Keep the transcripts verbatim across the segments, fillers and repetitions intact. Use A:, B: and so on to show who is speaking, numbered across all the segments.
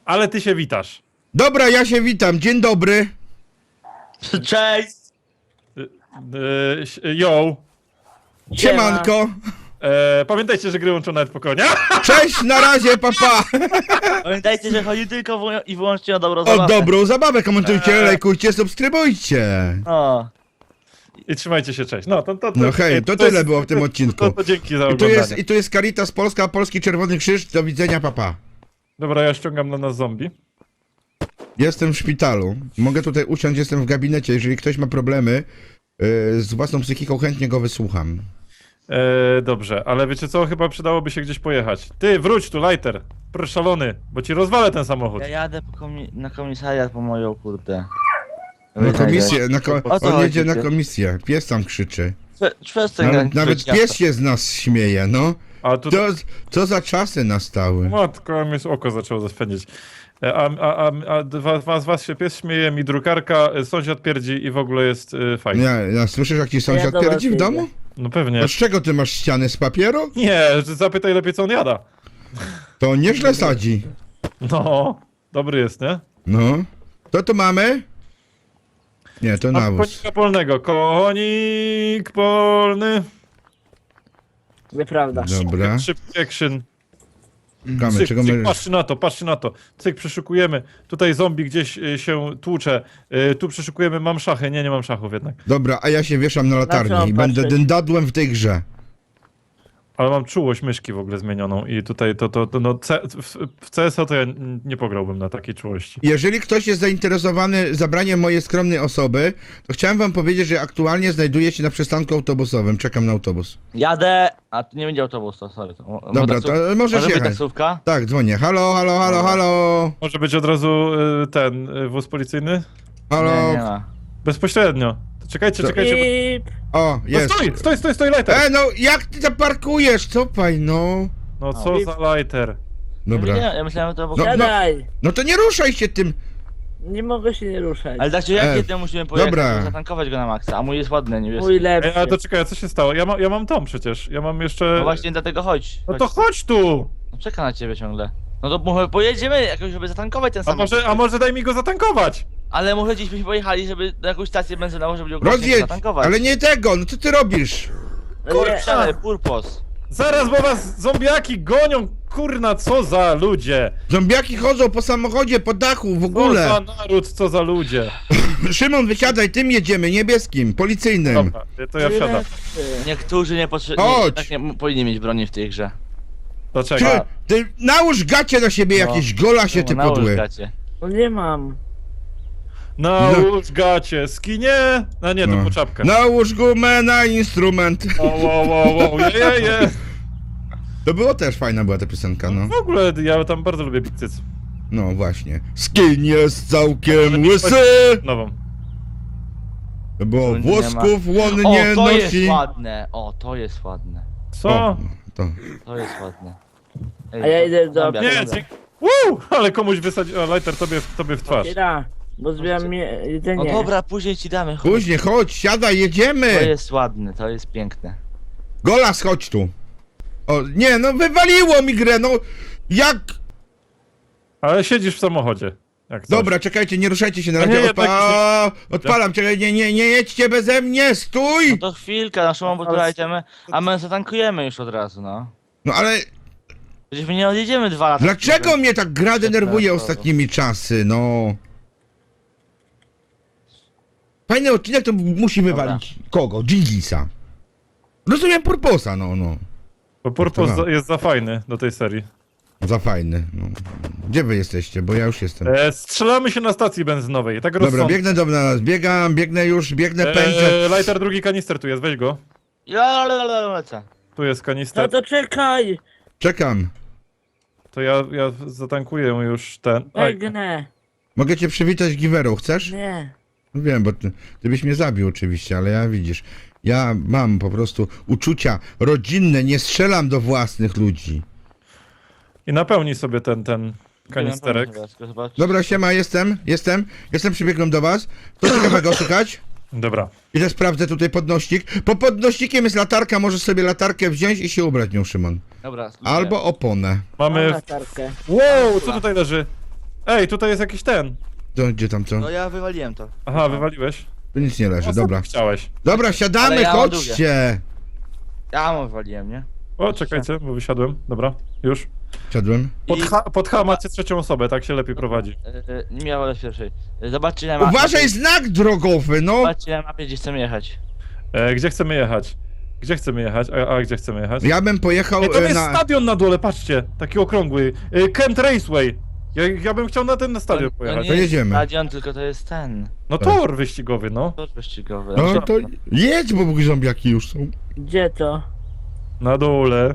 A: ale ty się witasz.
B: Dobra, ja się witam, dzień dobry.
C: Cześć!
A: Yy, yo.
B: Siemanko.
A: E, pamiętajcie, że gry łączą nawet po konia.
B: Cześć, na razie, papa.
C: Pamiętajcie, że chodzi tylko wyłą- i wyłącznie o dobrą
B: O
C: zabawę.
B: dobrą zabawę, komentujcie, lajkujcie, subskrybujcie.
C: O.
A: I trzymajcie się, cześć. No, to, to, to,
B: No hej, to tyle było w tym
A: to,
B: odcinku.
A: To, to dzięki za
B: I tu
A: oglądanie.
B: jest, i tu jest Caritas Polska, Polski Czerwony Krzyż, do widzenia, papa.
A: Dobra, ja ściągam na nas zombie.
B: Jestem w szpitalu, mogę tutaj usiąść, jestem w gabinecie, jeżeli ktoś ma problemy yy, z własną psychiką, chętnie go wysłucham.
A: E, dobrze, ale wiecie co? Chyba przydałoby się gdzieś pojechać. Ty, wróć tu, Lighter. Proszę, szalony, bo ci rozwalę ten samochód.
C: Ja jadę po komi- na komisariat po moją kurde.
B: Na komisję, na ko
C: O co
B: on
C: chodzi,
B: jedzie na
C: ty?
B: komisję, pies tam krzyczy.
C: Prze- Przestań
B: Nawet,
C: grać
B: nawet
C: krzycz,
B: pies się z nas śmieje, no.
A: A tu...
B: To, co za czasy nastały.
A: Matko, mi oko zaczęło zaspędzić. E, A, a, a, a dwa, dwa z was się pies śmieje, mi drukarka, e, sąsiad pierdzi i w ogóle jest e, fajnie.
B: Ja, ja słyszysz, jak ci sąsiad
D: do was
B: pierdzi w
D: idę.
B: domu?
A: No pewnie.
B: A z czego ty masz ściany, z papieru?
A: Nie, zapytaj lepiej co on jada.
B: To nieźle sadzi.
A: No, dobry jest, nie?
B: No. To tu mamy? Nie, to
A: A
B: nawóz.
A: konika polnego. Konik polny.
D: Nieprawda.
B: Dobra.
A: Szybki action.
B: Kamy,
A: Cyk,
B: czego
A: cyk,
B: my...
A: patrzcie na to, patrzcie na to. Cyk, przeszukujemy. Tutaj zombie gdzieś y, się tłucze. Y, tu przeszukujemy, mam szachy. Nie, nie mam szachów jednak.
B: Dobra, a ja się wieszam na
D: Na
B: latarni
D: co
B: i będę
D: patrzeć?
B: dyndadłem w tej grze.
A: Ale mam czułość myszki w ogóle zmienioną i tutaj to, to, to no, C, w, w C S a to ja n- nie pograłbym na takiej czułości.
B: Jeżeli ktoś jest zainteresowany zabraniem mojej skromnej osoby, to chciałem wam powiedzieć, że aktualnie znajduję się na przystanku autobusowym. Czekam na autobus.
C: Jadę! A tu nie będzie autobus, to sorry. To, mo-
B: Dobra,
C: taksów-
B: to możesz
C: Może być
B: jechać.
C: taksówka?
B: Tak, dzwonię. Halo, halo, halo, halo.
A: Może być od razu y, ten y, wóz policyjny?
B: Halo.
C: Nie, nie ma.
A: Bezpośrednio. To czekajcie,
B: To-
A: czekajcie.
D: I...
B: O,
A: Bo... No
B: jest.
A: stoi, stoi, stoi, stoi, lighter!
B: E, no jak ty zaparkujesz? Cofaj, no.
A: No co za lighter?
B: Dobra.
C: Ja, ja myślałem, że to
B: No,
C: było...
D: Siadaj!
B: No to nie ruszaj się tym.
D: Nie mogę się nie ruszać.
C: Ale tak czy jak
B: E,
C: kiedy musimy pojechać,
B: dobra.
C: żeby zatankować go na maksa, a mój jest ładny, niebieski.
D: Mój
A: Ej,
D: lepszy.
A: ale to czekaj, a co się stało? Ja, ma, ja mam tom przecież. Ja mam jeszcze...
C: No właśnie dlatego chodź.
A: No
C: chodź.
A: to chodź tu!
C: No czeka na ciebie ciągle. No to może pojedziemy jakoś, żeby zatankować ten
A: A
C: samochód.
A: może, a może daj mi go zatankować?
C: Ale może gdzieś byśmy pojechali, żeby na jakąś stację benzynową, żeby go
B: Rozjedź,
C: zatankować.
B: ale nie tego, no co ty robisz?
C: Kurczę, purpos.
A: Zaraz, bo was zombiaki gonią! Kurna, co za ludzie!
B: Zombiaki chodzą po samochodzie, po dachu, w
A: Co
B: ogóle.
A: za naród, co za ludzie!
B: Szymon, wysiadaj, tym jedziemy, niebieskim, policyjnym.
A: Dobra, to ja wsiadam.
C: Niektórzy nie potrzebują.
B: Chodź.
C: Tak nie m- powinni mieć broni w tej grze.
A: To
B: Ty,
A: czekaj.
B: ty nałóż gacie na siebie
C: No.
B: jakieś, gola się ty
C: No, nałóż
B: podły.
C: gacie.
D: No nie mam.
A: Nałóż gacie, skinie! No nie, to
B: No.
A: po czapkę.
B: Nałóż gumę na instrument.
A: O, o, o, o, je, je, je.
B: To było też fajna była ta piosenka, no.
A: W ogóle ja tam bardzo lubię pizzyc.
B: No właśnie. Skin jest całkiem łysy,
A: Nową.
B: bo
C: Tu nie
B: włosków łon
C: O,
B: nie
C: to jest
B: nosi.
C: ładne. O, to jest ładne.
A: Co?
B: O, to.
C: To jest ładne. Ej,
D: A ja
C: to-
D: idę do
C: zombiak,
A: Nie,
D: Dobra.
A: dzie- Wuu! Ale komuś wysadził. A lighter tobie, tobie w twarz.
D: Kiera, bo zbieram mi
C: No
D: jedzenie.
C: dobra, później ci damy. Chodź.
B: Później, chodź, siadaj,
C: To
B: jedziemy.
C: jest ładne, to jest piękne.
B: Golas, chodź tu. O, nie, no wywaliło mi grę, no. Jak?
A: Ale siedzisz w samochodzie. Jak coś.
B: Dobra, czekajcie, nie ruszajcie się na
A: A nie,
B: razie.
A: jednak
B: Odpa... Odpalam, czekaj, nie, nie, nie jedźcie beze mnie,
C: No
B: stój!
C: to chwilkę, naszą obudowę idziemy, a my zatankujemy już od razu, no.
B: No ale
C: Przecież my nie odjedziemy dwa lata.
B: dlaczego mnie tak gra denerwuje
C: to-
B: ostatnimi czasy, no? Fajny odcinek to musi wywalić kogo? Dżingisa. Rozumiem Purposa, no, no.
A: Bo Purpose
B: To no.
A: za- jest za fajny do tej serii.
B: Za fajny. No. Gdzie wy jesteście? Bo ja już jestem.
A: E, strzelamy się na stacji benzynowej. Tak
B: Dobra,
A: rozsądnie.
B: biegnę do nas, biegam, biegnę już, biegnę, pędzę.
A: E, lighter, drugi kanister tu jest, weź go.
C: Ja lecę.
A: Tu jest
D: No
A: kanister.
D: to czekaj!
B: Czekam.
A: To ja, ja zatankuję już ten. Aj,
D: Biegnę.
B: Mogę cię przywitać giwerą, chcesz?
D: Nie.
B: No wiem, bo ty, ty byś mnie zabił oczywiście, ale ja widzisz, ja mam po prostu uczucia rodzinne, nie strzelam do własnych ludzi.
A: I napełnij sobie ten, ten kanisterek.
B: Dobra, siema, jestem, jestem, jestem, przybiegłem do was. Co ciekawego szukać?
A: Dobra.
B: Idę sprawdzę tutaj podnośnik. Po podnośnikiem jest latarka, możesz sobie latarkę wziąć i się ubrać nią, Szymon.
C: Dobra,
B: Albo oponę.
D: Mam
A: Mamy...
D: latarkę.
A: Wow, co tutaj leży? Ej, tutaj jest jakiś ten.
B: To gdzie tam co?
C: No ja wywaliłem to.
A: Aha, wywaliłeś.
B: Tu nic nie leży,
A: O,
B: dobra.
A: co ty chciałeś.
B: Dobra,
C: Ale
B: siadamy,
C: ja mam
B: chodźcie!
C: Ja mu wywaliłem, nie?
A: O, czekajcie, bo wysiadłem. Dobra, już.
B: Siadłem.
A: Pod
C: I-
A: H, pod H macie trzecią osobę, tak się lepiej prowadzi.
C: E, e, Nie miałem z pierwszej. E, Zobaczcie na mapie.
B: Uważaj, znak drogowy, no!
C: Zobaczcie na mapie, gdzie chcemy jechać.
A: E, gdzie chcemy jechać? Gdzie chcemy jechać? A, a gdzie chcemy jechać?
B: Ja bym pojechał
A: Ej, tam
B: e,
A: jest
B: na...
A: stadion na dole, patrzcie. Taki okrągły. E, Kent Raceway. Ja, ja bym chciał na ten na stadion
C: to, to
A: pojechać.
C: nie
B: To
C: jest
B: jedziemy.
C: stadion, tylko to jest ten.
A: No tor wyścigowy, no.
C: Tor wyścigowy.
B: No to jedź, bo zombiaki już są.
D: Gdzie to?
A: Na dole.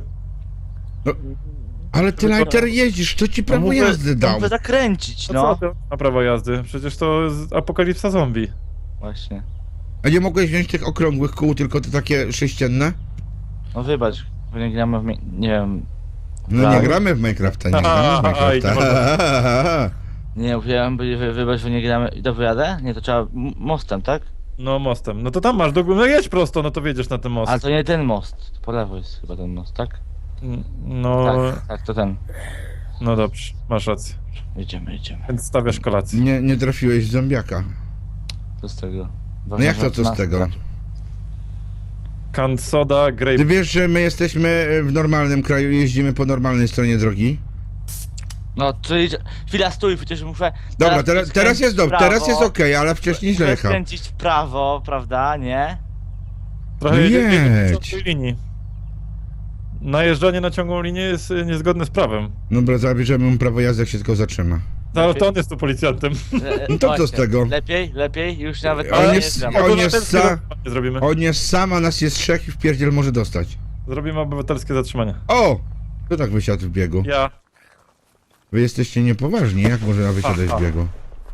B: Ale ty, Lighter, jeździsz, to ci prawo
A: mówię,
B: jazdy dał.
C: Muszę zakręcić,
A: No.
C: no.
A: Co ty? Na prawo jazdy. Przecież to jest apokalipsa zombie.
C: Właśnie.
B: A nie mogłeś wziąć tych okrągłych kół, tylko te takie sześcienne?
C: No wybacz, bo nie gramy w... mi- Nie wiem...
B: No nie
C: Prawo.
B: gramy w Minecrafta, nie gramy w
A: Aj, nie
B: Minecrafta.
C: Nie, mówiłem, by- wy- wybacz, bo nie gramy... Dobrze jadę? Nie, to trzeba m- mostem, tak?
A: No mostem. No to tam masz do góry. No jedź prosto, no to wiedziesz na ten most.
C: Ale to nie ten most. Po lewo jest chyba ten most, tak?
A: Mm, No,
C: Tak, tak, to ten.
A: no dobrze, masz rację.
C: Jedziemy, jedziemy.
A: Więc stawiasz kolację.
B: Nie, nie trafiłeś w zombiaka.
C: Co z tego?
B: No jak to co z tego?
A: Canned soda, grape.
B: Ty wiesz, że my jesteśmy w normalnym kraju i jeździmy po normalnej stronie drogi?
C: No, czyli... Chwila, stój, przecież muszę...
B: Dobra, teraz,
C: skręcić
B: teraz jest
C: w
B: dobrze,
C: prawo,
B: teraz jest okej, ale wcześniej źle
C: muszę
B: jechał.
C: skręcić w prawo, prawda, nie?
A: Trochę
B: No
A: jedzie- jedzie
B: jedź.
A: po ciągłej linii. Najeżdżanie na ciągłą linię jest y, niezgodne z prawem.
B: Dobra, zabierzemy mu prawo jazdy, jak się tylko zatrzyma.
A: No, ale to on jest tu policjantem.
C: E,
B: No to co z
C: właśnie.
B: tego?
C: Lepiej, lepiej, już nawet
B: On
C: nie
B: jest-
C: jeżdżam.
B: on
A: Obywatelskie
B: sa-
A: zatrzymanie zrobimy.
B: On jest sam, a nas jest trzech i w pierdziel może dostać.
A: Zrobimy obywatelskie zatrzymanie.
B: O! Kto tak wysiadł w biegu?
A: Ja.
B: Wy jesteście niepoważni, jak można wysiadać
A: Aha.
B: w biegu?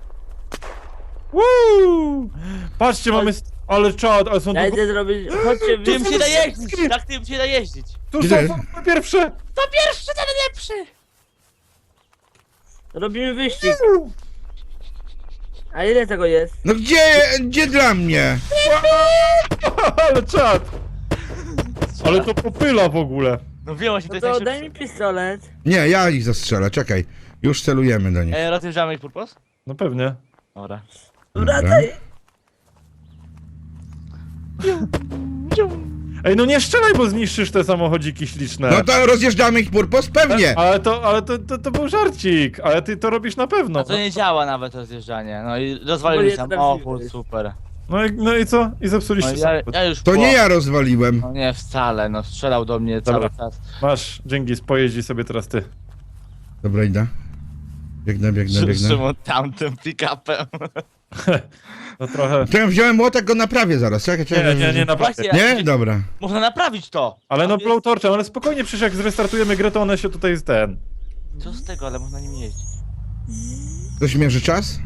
A: Woo! Patrzcie, mamy... st- Ale czad, ale są
D: Ja
A: tu...
D: idę zrobić... Chodźcie, wy...
C: Tym się da jeździć! Tak tym się da jeździć!
A: Tu
B: Gdzie?
A: są formy pierwsze!
C: To pierwszy, ten lepszy!
D: Robimy wyścig. A ile tego jest?
B: No gdzie, gdzie dla mnie?
A: Ale czad! Ale to popyla w ogóle.
C: No wiem właśnie, to
D: No
C: jest
D: to
C: najszybszy.
D: daj mi pistolet.
B: Nie, ja ich zastrzelę, czekaj. Już celujemy do nich.
C: E, rozjeżdżamy ich purpos?
A: No pewnie.
C: Dobra.
D: Wracaj.
A: Ej, no nie strzelaj, bo zniszczysz te samochodziki śliczne.
B: No to rozjeżdżamy ich purpos? Pewnie!
A: Ale to, ale to, to, to był żarcik, ale ty to robisz na pewno.
C: A to nie działa nawet rozjeżdżanie. No i
D: Bo
C: rozwalili
D: nie
C: samochód,
D: trafiłeś.
C: super.
A: No i, no i co? I
C: No
A: zepsuliście
C: ja,
A: samochód.
C: ja już
B: To
C: po-
B: nie ja rozwaliłem.
C: No nie, wcale, no strzelał do mnie
A: Dobra.
C: cały czas.
A: Masz, dzięki, pojeździ sobie teraz ty.
B: Dobra, idę. Biegnę, biegnę, biegnę.
C: Szymon tamtym pick-upem.
A: No trochę...
B: To ja wziąłem młotek, go naprawię zaraz. Czekaj,
A: Nie,
B: czekaj.
A: nie, nie, naprawdę.
C: Właśnie,
B: Nie? Dobra.
C: można naprawić to!
A: Ale no
C: A jest-
A: blowtorczem, ale spokojnie, przecież jak zrestartujemy grę, to one się tutaj z ten...
C: Co z tego, ale można nim jeździć.
B: Ktoś mierzy czas?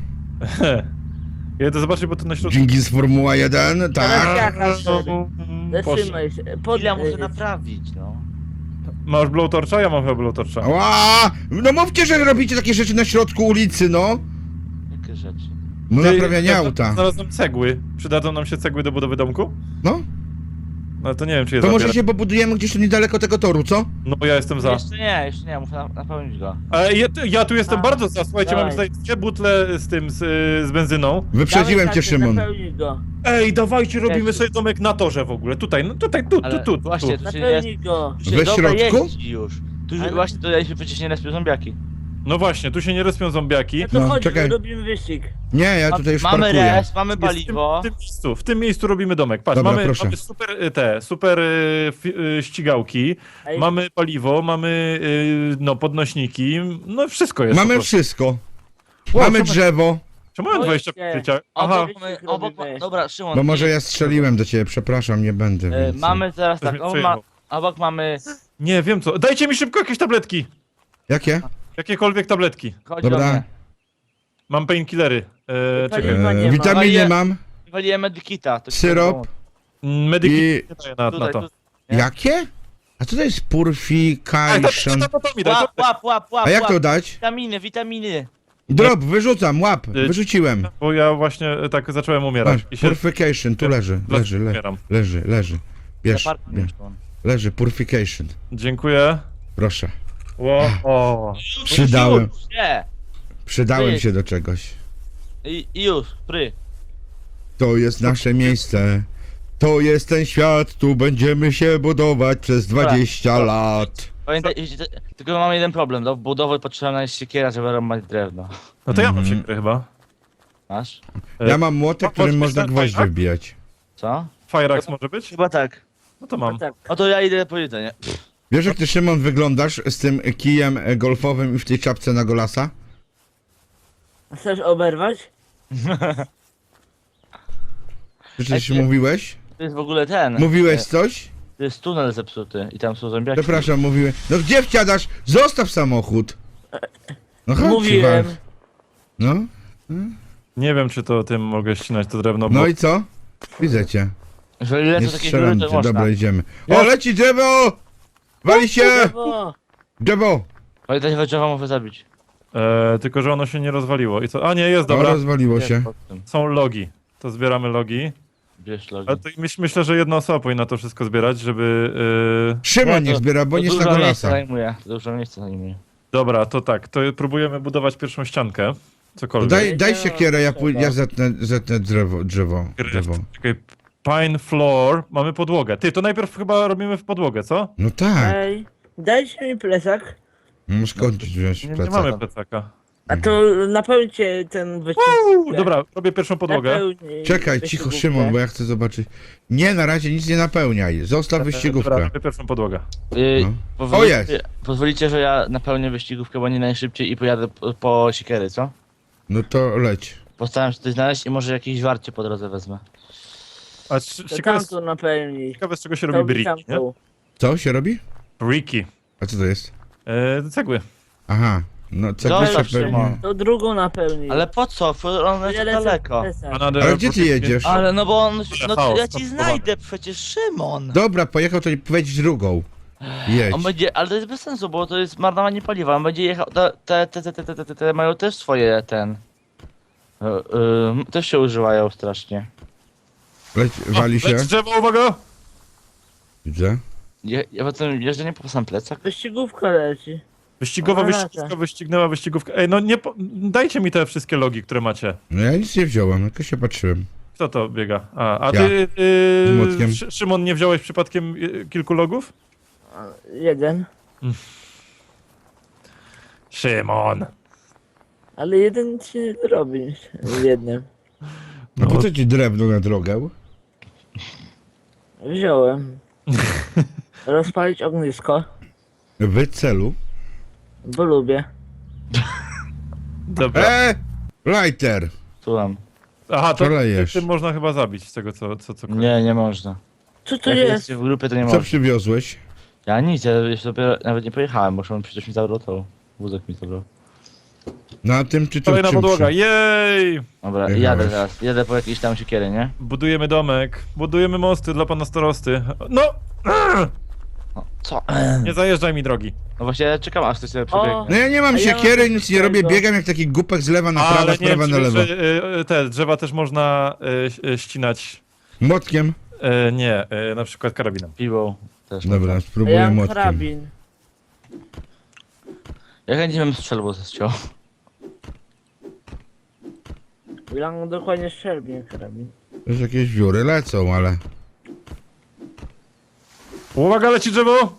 A: Jedę zobaczyć, bo to na środku...
B: Dzięki z Formuła jeden,
D: Teraz
B: tak.
D: ja, Kasper.
A: Poszło.
D: Zatrzymaj się. Pod...
C: Ile muszę naprawić, no.
A: Masz blowtorcza? Ja mam chyba blowtorcza.
B: Ła! No mówcie, że robicie takie rzeczy na środku ulicy, no.
C: Jakie rzeczy.
B: No
A: Ty,
B: naprawianie
A: ja
B: auta.
A: Znalazłem cegły. Przydadzą nam się cegły do budowy domku?
B: No,
A: No to nie wiem, czy je
B: to może
A: zabiorę.
B: się pobudujemy gdzieś tu niedaleko tego toru, co?
A: No bo ja jestem za.
C: Jeszcze nie, jeszcze nie, muszę na, napełnić go.
A: Ale ja, ja tu jestem
D: A,
A: bardzo za. Słuchajcie,
D: dawaj.
A: mam tutaj dwie butle z tym, z, z benzyną.
B: Wyprzedziłem cię, Szymon.
D: Napełnij go.
A: Ej, dawajcie, robimy
C: Jezu.
A: sobie domek na torze w ogóle. Tutaj, no tutaj, tu, tu,
C: Ale
A: tu, tu.
C: właśnie, tu się nie,
D: Napełnij go.
C: tu się
B: We
C: dobra
B: środku?
C: jeździ już. Tu
D: Ale-
C: właśnie tutaj się przecież nie respią zombiaki.
A: No właśnie, tu się nie respią zombiaki.
D: No to
B: No,
D: chodź,
B: czekaj.
D: robimy wyścig.
B: Nie, ja tutaj już
C: mamy
B: parkuję.
C: res, mamy
A: Jest w tym,
C: paliwo.
A: w, tym miejscu, w tym miejscu robimy domek. Patrz,
B: Dobra,
A: mamy,
B: proszę.
A: mamy super y, te, super y, fi, y, ścigałki,
D: Ej,
A: mamy paliwo, mamy y, no podnośniki, no wszystko jest. po
B: Mamy
A: prostu.
B: wszystko.
A: Wow,
B: Mamy
A: czemu-
B: czemu
A: Czemu mam
D: Chodźcie.
A: dwadzieścia życia? Aha,
C: Obok mamy, obok ma, dobra, Szymon.
B: Bo może
C: nie-
B: ja strzeliłem do ciebie, przepraszam, nie będę
C: E,
B: więcej.
C: mamy teraz
A: Ktoś
C: tak,
A: mnie
C: obok, ma,
A: przejechał.
C: obok mamy...
A: nie wiem co. Dajcie mi szybko jakieś tabletki.
B: Jakie?
A: Jakiekolwiek tabletki.
C: Chodź
B: Dobra.
C: do mnie.
A: Mam painkillery. E, czekaj.
D: Paliwa nie
B: E,
D: ma.
B: witaminy
C: Ale-
B: mam.
C: Waliłem medykita. to ci
B: Syrop.
C: pomogę.
A: Medyki
B: I-
A: nie daję na, na
C: Tutaj,
A: to.
C: tu. Nie?
B: Jakie? A co to jest
A: Ej, to,
B: purification?
A: to, to, to mi daj,
C: Łap,
A: to,
C: łap, łap, łap,
B: A jak
C: łap.
B: to dać?
C: Witaminy, witaminy.
B: Drop, wyrzucam, łap,
A: Y,
B: wyrzuciłem.
A: bo ja właśnie e, tak zacząłem umierać.
B: Masz,
A: I się
B: purification, tu leży, leży, leży,
A: umieram.
B: leży, leży. Bierz,
C: Zaparkuj,
B: bierz.
C: Szymon.
B: Leży, purification.
A: Dziękuję.
B: Proszę.
A: Ło, o.
B: Przydałem.
C: Rzuciło się.
B: Przydałem
C: Wyjedź.
B: się do czegoś.
C: I, i już, pry.
B: To jest nasze miejsce. To jest ten świat, tu będziemy się budować przez dwadzieścia lat.
C: Pamiętaj, jeśli te- tylko mamy jeden problem, do budowy potrzebna jest siekiera, żeby rąbać drewno.
A: No to ja mam
B: Mhm.
A: siekierę chyba.
C: Masz?
A: E,
B: Ja mam młotek,
A: mo-
B: którym
A: może
B: można
A: być ten
B: gwoździe
A: fajrak?
B: wbijać.
C: Co?
A: Fireaxe może być?
C: Chyba tak.
A: No to mam.
D: No tak.
C: No to ja idę po jedzenie.
B: Wiesz jak ty, Szymon, wyglądasz z tym kijem e, golfowym i w tej czapce na golasa?
D: A chcesz oberwać?
B: Czy coś
C: Ej, ty-
B: mówiłeś?
C: To jest w ogóle ten.
B: Mówiłeś
C: e,
B: coś?
C: To jest tunel zepsuty i tam są zombiaki.
B: Przepraszam, mówiłem. No gdzie wsiadasz? Zostaw samochód! No chodź,
D: Mówiłem.
B: Ciwal. No,
A: Nie wiem, czy to tym mogę ścinać to drewno, bo...
B: no i co? Widzę cię.
C: Jeżeli
B: Nie
C: lecą takie dziury,
B: strzelam
C: to
B: cię,
C: można.
B: dobra, idziemy. O,
A: Jest.
B: leci drzewo! Wali się!
D: O,
B: Drzewo!
C: Pamiętaj, że drzewa może zabić.
A: E, tylko, że ono się nie rozwaliło. I co? A nie, jest,
B: O,
A: dobra.
B: rozwaliło
C: Jest
B: się.
C: pod tym.
A: Są logi. To zbieramy logi.
C: Bierz logi.
A: Ale to myśl, myślę, że jedna osoba powinna to wszystko zbierać, żeby... E...
B: Szymon
C: Nie,
B: niech
C: to-
B: zbiera, bo
C: To
B: nie jest na
C: dużo miejsca
B: golasa.
C: zajmuje. To dużo miejsca zajmuje.
A: Dobra, to tak. To próbujemy budować pierwszą ściankę. Cokolwiek.
B: Daj, daj
D: Nie,
B: siekierę, ja,
D: trzeba.
B: pój- ja zetnę, zetnę drzewo, drzewo, drzewo.
A: Czekaj, pine floor. Mamy podłogę. Ty, to najpierw chyba robimy w podłogę, co?
B: No tak,
D: ej, dajcie mi plecak.
B: no skąd wziąć
A: Nie, nie
B: plecak?
A: mamy plecaka.
D: A to napełnijcie ten wycisk.
A: Uuu, dobra, robię pierwszą podłogę.
D: Napełnij
B: Czekaj, cicho
D: wyścigówkę.
B: Szymon, bo ja chcę zobaczyć. Nie, na razie nic nie napełniaj, zostaw
A: Dobra,
B: wyścigówkę.
A: robię pierwszą podłogę.
C: Yy,
B: No.
C: pozwolicie,
B: O, jest.
C: Pozwolicie, że ja napełnię wyścigówkę, bo nie najszybciej i pojadę po, po siekiery, co?
B: No to leć.
C: Postaram się coś znaleźć i może jakieś żwarcie po drodze wezmę.
A: A c-
D: To
A: ciekawe,
D: tamto napełnij.
A: ciekawe z czego się
D: To
A: robi brick, nie?
D: tamtą.
B: Co się robi?
A: Bricky.
B: A co to jest?
A: E, cegły.
B: Aha, no cegły się
C: Zostaw,
B: pewnie...
C: Szymon.
D: To drugą napełnij.
C: Ale po co? F- One
D: Ja
C: są
D: lecę
C: daleko.
D: plecak.
A: Another
B: Ale gdzie ty
A: brick.
B: jedziesz?
C: Ale no bo on... No to
A: chaos,
C: ja ci
A: skonstruowany.
C: znajdę przecież, Szymon!
B: Dobra, pojechał, to wejdź drugą. Jedź.
C: On będzie, ale to jest bez sensu, bo to jest marnowanie paliwa. On będzie jechał. Te, te, te, te, te, te, te, te mają też swoje ten. e, e, też się używają strasznie.
B: Leć, wali się.
A: Leć drzewo, uwaga!
B: Widzę.
C: Je, ja potem jeżdżę nie po sam plecach.
D: Wyścigówka leci.
A: Wyścigowa
D: Dobra,
A: wyścigówka
D: tak.
A: wyścignęła wyścigówkę. Ej, no nie po... dajcie mi te wszystkie logi, które macie.
B: No ja nic nie wziąłem, tylko się patrzyłem.
A: Kto to biega? A, a
B: Ja.
A: ty,
B: Z
A: yy,
B: młotkiem.
A: Szy- Szymon, nie wziąłeś przypadkiem yy, kilku logów?
D: A, jeden.
A: Szymon!
D: Ale jeden ci nie zrobi z jednym.
B: No
A: No.
B: po co ci drewno na drogę?
D: Wziąłem. Rozpalić ognisko,
B: W celu.
D: bo lubię.
A: Dobra.
B: E! Lighter!
C: Słucham.
A: Aha, to
B: co lejesz?
A: tym można chyba zabić z tego, co... co, co...
C: Nie, nie można.
D: Co to
C: Jak
D: jest?
C: jesteście w grupie, to nie
B: Co
C: można.
B: przywiozłeś?
C: Ja nic, ja jeszcze dopiero nawet nie pojechałem, bo on przecież mi zabrał to. Wózek mi zabrał.
B: Na tym czy to
A: Kolejna
B: czym
A: podłoga,
B: przy-
A: jej!
C: Dobra,
B: Jechałeś.
C: jadę teraz. Jadę po jakieś tam siekiery, nie?
A: Budujemy domek, budujemy mosty dla pana starosty. No!
C: No, co?
A: Nie zajeżdżaj mi drogi.
C: No właśnie, ja czekam aż ktoś sobie
D: O!
C: przebiegnie.
B: No ja nie mam
D: A ja
B: siekiery,
D: mam
B: nic nie robię,
D: tego.
B: biegam jak taki głupek z lewa na prawo,
A: Ale
B: z
A: nie
B: prawa
A: wiem,
B: na
A: czy
B: lewo.
A: wiesz, że, y, te drzewa też można y, ś- ścinać.
B: Młotkiem?
A: Y, nie, y, na przykład karabinem.
C: Piwą też.
B: Dobra,
D: A ja
B: spróbuję
D: mam
B: młotkiem.
D: karabin.
C: Ja chętnie bym strzelbą zesciął.
D: Ile mam dokładnie strzelbie karabin.
B: Już jakieś wióry lecą, ale...
A: Uwaga, leci drzewo!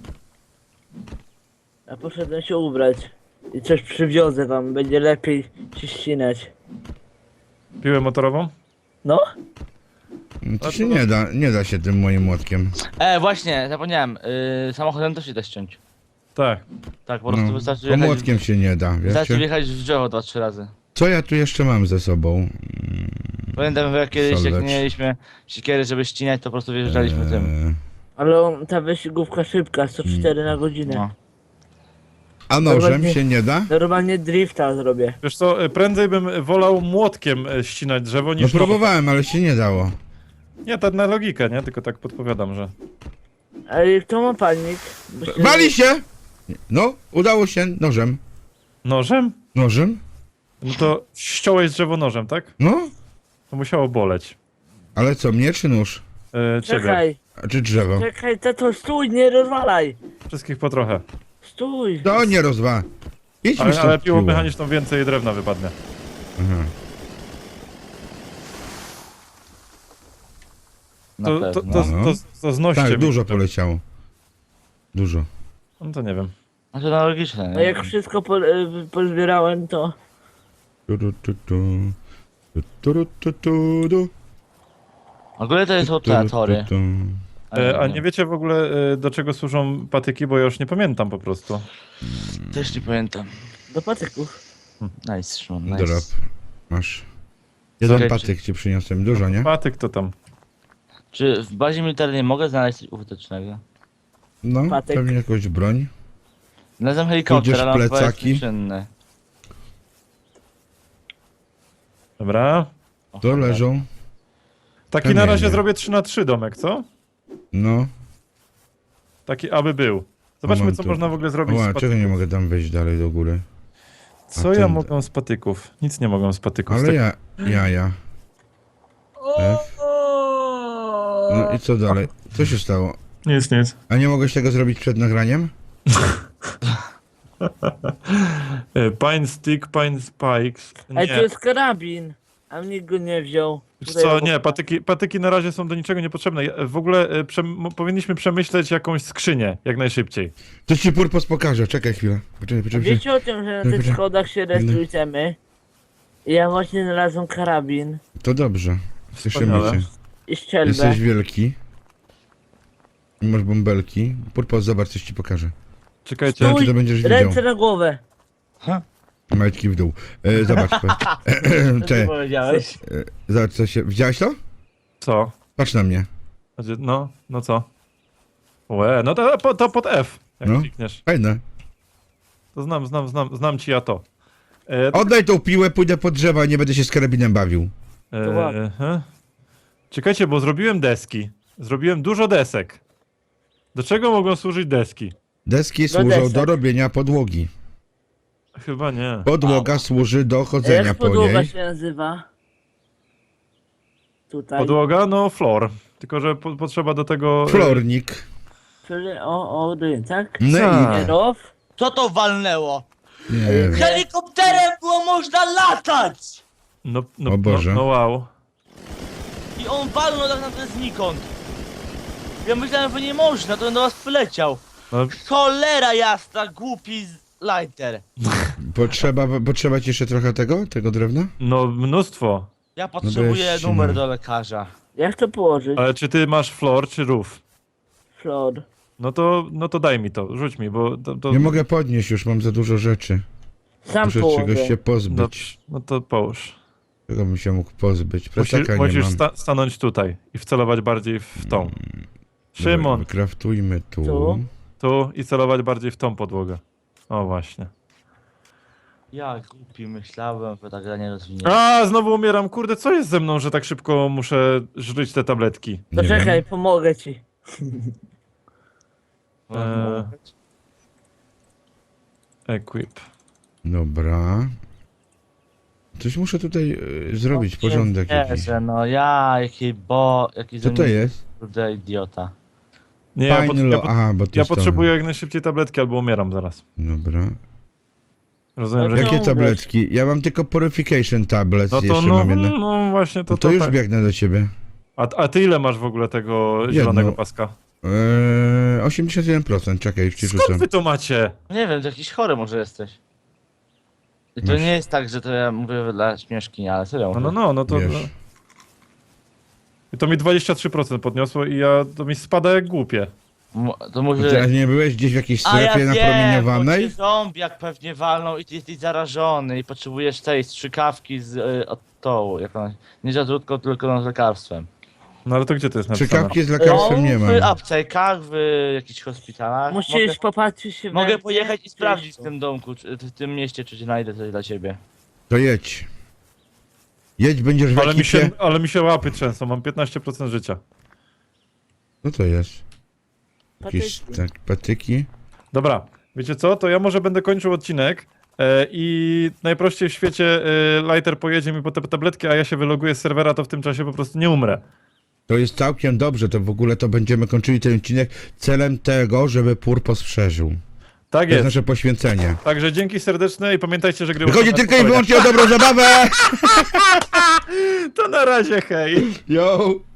D: Ja poszedłem się ubrać. I coś przywiozę wam, będzie lepiej się ścinać.
A: Piłę motorową?
D: No?
B: No to
A: A
B: się
A: to-
B: nie da, nie da się tym moim młotkiem.
C: E, właśnie, zapomniałem. Yy, samochodem też się da ściąć.
A: Tak.
C: Tak, po prostu
B: No,
C: wystarczy
B: bo
C: wjechać,
B: młotkiem się nie da,
C: wystarczy
B: wiecie?
C: wjechać w drzewo dwa, trzy razy.
B: Co ja tu jeszcze mam ze sobą?
C: Pamiętam, że jak kiedyś jak
B: Soleć.
C: nie mieliśmy siekiery, żeby ścinać, to po prostu wjeżdżaliśmy tym.
B: Eee,
D: Ale on, ta wyścigówka szybka, sto cztery na godzinę.
C: No.
B: A nożem
D: Normalnie-
B: się nie da?
D: Normalnie drifta zrobię.
A: Wiesz co, y, prędzej bym wolał młotkiem y, ścinać drzewo
B: No
A: niż...
B: próbowałem, ale się nie dało.
A: Nie, tak na logikę, nie? Tylko tak podpowiadam, że...
D: Ale kto ma palnik? Bo się-
B: Wali się! No, udało się nożem.
A: Nożem?
B: Nożem?
A: No to ściąłeś drzewo nożem, tak?
B: No,
A: To musiało boleć.
B: ale co, mnie czy nóż?
A: Y, ciebie.
D: Czekaj,
B: A czy drzewo?
D: czekaj, tato, stój, nie rozwalaj!
A: Wszystkich po trochę.
D: Stój!
B: To nie rozwa. Idź mi
A: Ale,
B: stąd
A: ale piłą
B: piło.
A: mechaniczną więcej drewna wypadnie.
B: Aha.
C: Na
A: To, to,
C: pewno.
A: to,
B: No.
A: to, to znoście
B: Tak,
A: mi.
B: dużo poleciało. Dużo.
A: No to nie wiem.
C: No to na logiczne,
D: No
C: nie?
D: jak wszystko po, y, pozbierałem, to...
B: Tu, tu, tu, tu. Tu, tu, tu, tu, tu.
C: W ogóle to są
B: Tu,
C: te
B: tu,
C: tory.
B: tu.
A: E, a nie wiecie w ogóle e, do czego służą patyki, bo ja już nie pamiętam po prostu.
C: Też nie pamiętam.
D: Do patyków.
C: Nice, Szymon, nice.
B: Drop. Masz. Jeden
C: Okej,
B: patyk ci przyniosłem, dużo, nie?
A: Patyk to tam.
C: Czy w bazie militarnej mogę znaleźć coś użytecznego?
B: No,
D: Patyk.
B: pewnie jakąś broń.
C: Znalazłem helikopter,
B: Pójdziesz
C: ale on chyba jest
B: plecaki?
C: nieczynny.
A: Dobra.
C: O,
B: To
C: cholera.
B: leżą.
A: Taki na
B: Kamienie.
A: razie zrobię trzy na trzy domek, co?
B: No.
A: Taki aby był. Zobaczmy
B: Mam
A: co
B: tu.
A: można w ogóle zrobić z
B: Ła,
A: patyków.
B: czego nie mogę tam wejść dalej do góry?
A: Co
B: A
A: ja
B: ten-
A: mogę z patyków? Nic nie mogę z patyków. z
B: Ale
A: tak-
B: ja, ja, ja. F. No i co dalej? Co się stało?
A: Nic, nic.
B: A nie mogłeś tego zrobić przed nagraniem?
A: E, Pine stick, pine spikes.
D: Ej, tu
A: Nie.
D: jest karabin, a nikt go nie wziął.
A: Wiesz
D: Tutaj
A: co,
D: obok-
A: nie, patyki, patyki na razie są do niczego niepotrzebne. Ja- W ogóle e, przem- powinniśmy przemyśleć jakąś skrzynię, jak najszybciej.
B: To ci purpos pokażę, czekaj chwilę. Poczekaj,
D: A
B: poczekaj.
D: wiecie o tym, że na tych
B: Dobra.
D: schodach się rejestrujemy? I ja właśnie znalazłem karabin
B: To dobrze. Cieszymy
A: Wspaniale.
B: się.
D: i strzelbę.
B: Jesteś wielki. I masz bąbelki. Purpos, zobacz, coś ci pokażę.
A: Czekajcie.
B: Stój! Czy to będziesz widział?
D: Ręce na głowę.
B: Majtki w dół. E, zobacz.
C: Co ty
B: Cze,
C: powiedziałeś?
B: e, zobacz, co się... Widziałeś to?
A: Co?
B: Patrz na mnie.
A: Znaczy, No, no co? Łe, no to, po- to pod F, jak
B: No.
A: klikniesz.
B: Fajne.
A: To znam, znam, znam, znam ci ja to. E,
B: Oddaj tą piłę, pójdę pod drzewa i nie będę się z karabinem bawił.
D: To ładnie.
A: e, he. Czekajcie, bo zrobiłem deski. Zrobiłem dużo desek. Do czego mogą służyć deski?
B: Deski służą do
D: desek.
B: robienia podłogi.
A: Chyba nie.
B: Podłoga służy do chodzenia
D: Jak
B: po
D: podłoga
B: niej.
D: się nazywa? Tutaj.
A: Podłoga? No, floor. Tylko, że po, potrzeba do tego... e,
B: Flornik.
D: Czyli o, o, dy, tak?
B: No
A: Tak.
B: i...
D: Row?
C: Co to walnęło?
B: Nie wiem.
C: Helikopterem było można latać!
A: No, no,
B: O Boże.
A: No, no wow.
C: I on walnął tak naprawdę znikąd. Ja myślałem, że nie można, to on do was przyleciał.
A: No,
C: Cholera jasna, głupi z- lighter.
B: Potrzeba, potrzeba ci jeszcze trochę tego? Tego drewna?
A: no mnóstwo.
C: Ja potrzebuję
B: weź,
C: numer
B: no.
C: do lekarza.
D: Jak to położyć?
A: Ale czy ty masz floor, czy roof?
D: Flor.
A: No to, no to daj mi to, rzuć mi, bo to... to
B: Nie mogę podnieść już, mam za dużo rzeczy.
D: Sam
B: Muszę
D: położę.
B: czegoś się
A: no,
B: pozbyć.
A: no to połóż.
B: Czego bym się mógł pozbyć?
A: Musisz,
B: Plecaka nie
A: musisz
B: mam.
A: sta stanąć tutaj i wcelować bardziej w tą.
B: Dobra,
A: Szymon,
B: Wykraftujmy tu.
D: Tu?
A: tu i celować bardziej w tą podłogę. O właśnie.
C: Ja głupi myślałem, że ta gra nie rozwinie.
A: A, znowu umieram. Kurde, co jest ze mną, że tak szybko muszę żryć te tabletki?
B: Nie
D: To czekaj,
B: wiem.
D: pomogę ci.
A: Eee. Equip.
B: Dobra. Coś muszę tutaj e, zrobić, porządek jakiś.
C: Jezu, no ja, jaki bo... Jaki
B: Co to jest?
C: Kurde idiota.
A: Nie, ja,
B: Fajny
A: pot ja,
B: lo...
A: pot
B: Aha, bo to
A: ja
B: jest to.
A: potrzebuję jak najszybciej tabletki, albo umieram zaraz.
B: Dobra.
A: Rozumiem,
D: No
A: że...
D: to-
B: Jakie
D: umrzeć.
B: tabletki? Ja mam tylko purification tablets,
A: No to
B: jeszcze
A: no,
B: mam jedno.
A: no właśnie, to,
B: To, to już
A: tak.
B: biegnę do ciebie.
A: A, a ty ile masz w ogóle tego zielonego paska?
B: Eee, osiemdziesiąt jeden procent, czekaj, już ci
A: Skąd
B: rzucam.
A: wy to macie?
C: Nie wiem, to jakiś chory może jesteś. I to
B: Masz.
C: nie jest tak, że to ja mówię dla śmieszki, ale serio.
A: No, no, no, no to...
B: Wiesz.
A: No. I to mi dwadzieścia trzy procent podniosło i ja, to mi spada jak głupie.
C: Mu- To
B: To
C: może...
B: Teraz nie byłeś gdzieś w jakiejś
C: A ja
B: strefie
C: wiem, bo
B: napromieniowanej?
C: cię zombie jak pewnie walną i ty jesteś zarażony i potrzebujesz tej strzykawki z y, od tołu, jak ona, nie z odrutką, tylko z lekarstwem.
A: No ale to gdzie to jest napisane?
B: Czekawki z lekarstwem nie
C: w
B: mam.
C: aptekach, w jakichś hospitalach.
D: Musisz
C: Mogę,
D: popatrzeć się w
C: mogę
D: ręce.
C: pojechać i sprawdzić w tym domku, czy, w tym mieście, czy znajdę coś dla ciebie.
B: To jedź. Jedź, będziesz w
A: Ale mi, się,
B: ekipie.
A: ale mi się łapy trzęsą, mam piętnaście procent życia.
B: No to jest. Jakieś
D: Patyki.
B: tak, patyki.
A: Dobra, wiecie co? To ja może będę kończył odcinek e, i najprościej w świecie e, Lighter pojedzie mi po te tabletki, a ja się wyloguję z serwera, to w tym czasie po prostu nie umrę.
B: To jest całkiem dobrze, to w ogóle to będziemy kończyli ten odcinek celem tego, żeby Purpos przeżył.
A: Tak
B: To jest
A: jest.
B: nasze poświęcenie.
A: Także dzięki serdeczne i pamiętajcie, że gry...
B: Wychodzi
A: można
B: tylko i
A: polegać.
B: wyłącznie o dobrą zabawę!
A: To na razie, hej!
B: Yo!